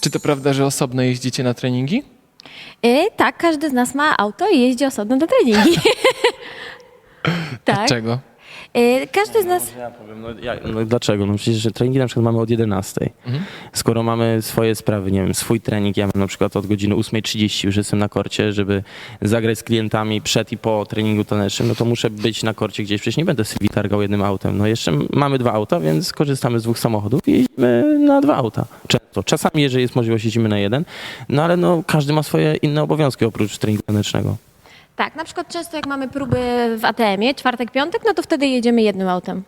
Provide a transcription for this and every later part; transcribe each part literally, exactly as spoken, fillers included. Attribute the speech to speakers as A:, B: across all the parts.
A: Czy to prawda, że osobno jeździcie na treningi?
B: Y, tak, każdy z nas ma auto i jeździ osobno do treningi. tak.
A: Dlaczego?
B: Y, każdy z nas...
C: Może ja powiem, no, ja, no dlaczego? No przecież że treningi na przykład mamy od jedenastej. Mhm. Skoro mamy swoje sprawy, nie wiem, swój trening, ja mam na przykład od godziny ósmej trzydzieści już jestem na korcie, żeby zagrać z klientami przed i po treningu tanecznym, no to muszę być na korcie gdzieś, przecież nie będę sobie targał jednym autem. No jeszcze mamy dwa auta, więc korzystamy z dwóch samochodów i jeździmy na dwa auta. Często. Czasami, jeżeli jest możliwość, jeździmy na jeden, no ale no każdy ma swoje inne obowiązki oprócz treningu tanecznego.
B: Tak, na przykład często jak mamy próby w A T M-ie, czwartek, piątek, no to wtedy jedziemy jednym autem.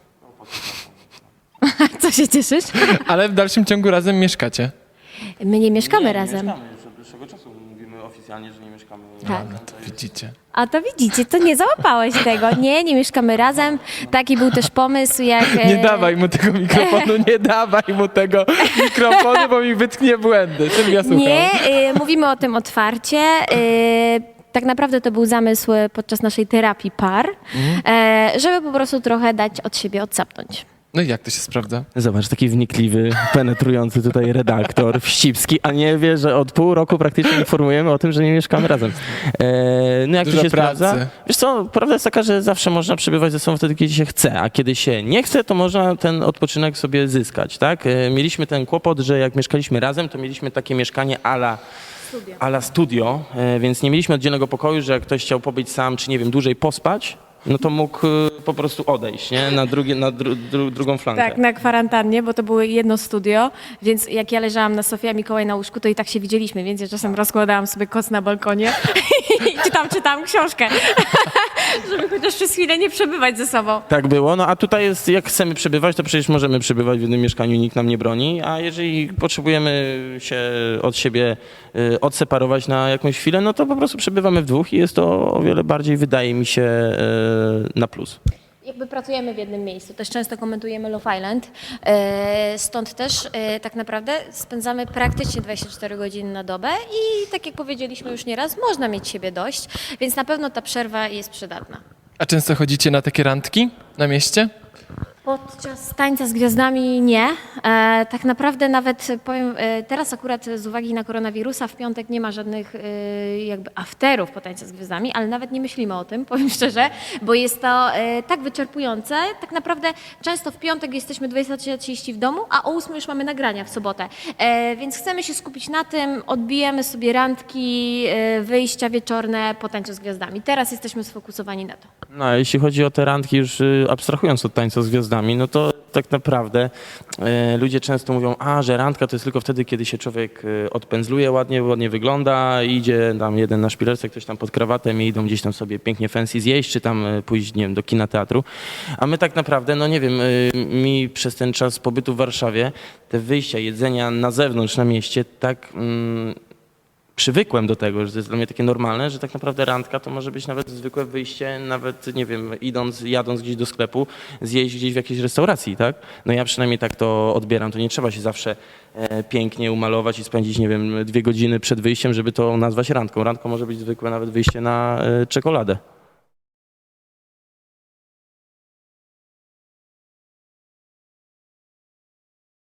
B: Co się cieszysz?
A: Ale w dalszym ciągu razem mieszkacie.
B: My nie mieszkamy razem.
C: Mieszkamy już od dłuższego czasu, mówimy oficjalnie, że nie mieszkamy.
B: Tak.
A: No to widzicie.
B: A to widzicie, to nie załapałeś tego. Nie, nie mieszkamy razem. Taki był też pomysł, jak...
A: Nie
B: e,
A: dawaj mu tego mikrofonu, nie dawaj mu tego mikrofonu, bo mi wytknie błędy. Sylwia, słucham.
B: Nie, y, mówimy o tym otwarcie. Y, tak naprawdę to był zamysł podczas naszej terapii par, e, żeby po prostu trochę dać od siebie odsapnąć.
A: No i jak to się sprawdza?
C: Zobacz, taki wnikliwy, penetrujący tutaj redaktor Wścibski, a nie wie, że od pół roku praktycznie informujemy o tym, że nie mieszkamy razem. E, no jak
A: Dużo
C: to się
A: pracy.
C: sprawdza? Wiesz co, prawda jest taka, że zawsze można przebywać ze sobą wtedy, kiedy się chce, a kiedy się nie chce, to można ten odpoczynek sobie zyskać, tak? E, mieliśmy ten kłopot, że jak mieszkaliśmy razem, to mieliśmy takie mieszkanie a la studio, a la studio e, więc nie mieliśmy oddzielnego pokoju, że jak ktoś chciał pobyć sam, czy nie wiem, dłużej pospać, no to mógł y, po prostu odejść, nie? Na, drugie, na dru, dru, drugą flankę.
B: Tak, na kwarantannie, bo to było jedno studio, więc jak ja leżałam na Sofii, a Mikołaj na łóżku, to i tak się widzieliśmy, więc ja czasem rozkładałam sobie koc na balkonie i czytam, czytam książkę, żeby chociaż przez chwilę nie przebywać ze sobą.
C: Tak było, no a tutaj jest, jak chcemy przebywać, to przecież możemy przebywać w jednym mieszkaniu, nikt nam nie broni, a jeżeli potrzebujemy się od siebie y, odseparować na jakąś chwilę, no to po prostu przebywamy w dwóch i jest to o wiele bardziej, wydaje mi się, y, na plus.
B: Jakby pracujemy w jednym miejscu, też często komentujemy Love Island, e, stąd też e, tak naprawdę spędzamy praktycznie dwadzieścia cztery godziny na dobę i tak jak powiedzieliśmy już nieraz, można mieć siebie dość, więc na pewno ta przerwa jest przydatna.
A: A często chodzicie na takie randki na mieście?
B: Podczas tańca z gwiazdami nie. E, tak naprawdę nawet powiem, e, teraz akurat z uwagi na koronawirusa w piątek nie ma żadnych e, jakby afterów po tańcu z gwiazdami, ale nawet nie myślimy o tym, powiem szczerze, bo jest to e, tak wyczerpujące. Tak naprawdę często w piątek jesteśmy dwudziesta trzydzieści w domu, a o ósmej już mamy nagrania w sobotę. E, więc chcemy się skupić na tym, odbijemy sobie randki, e, wyjścia wieczorne po tańcu z gwiazdami. Teraz jesteśmy sfokusowani na to.
C: No a jeśli chodzi o te randki, już y, abstrahując od tańca z gwiazdami, no to tak naprawdę y, ludzie często mówią, a że randka to jest tylko wtedy, kiedy się człowiek y, odpędzluje ładnie, ładnie wygląda, idzie tam jeden na szpilerce, ktoś tam pod krawatem i idą gdzieś tam sobie pięknie fancy zjeść, czy tam y, pójść, nie wiem, do kina, teatru. A my tak naprawdę, no nie wiem, y, mi przez ten czas pobytu w Warszawie te wyjścia, jedzenia na zewnątrz, na mieście, tak... Mm, przywykłem do tego, że to jest dla mnie takie normalne, że tak naprawdę randka to może być nawet zwykłe wyjście, nawet, nie wiem, idąc, jadąc gdzieś do sklepu, zjeść gdzieś w jakiejś restauracji, tak? No ja przynajmniej tak to odbieram, to nie trzeba się zawsze e, pięknie umalować i spędzić, nie wiem, dwie godziny przed wyjściem, żeby to nazwać randką. Randką może być zwykłe nawet wyjście na e, czekoladę.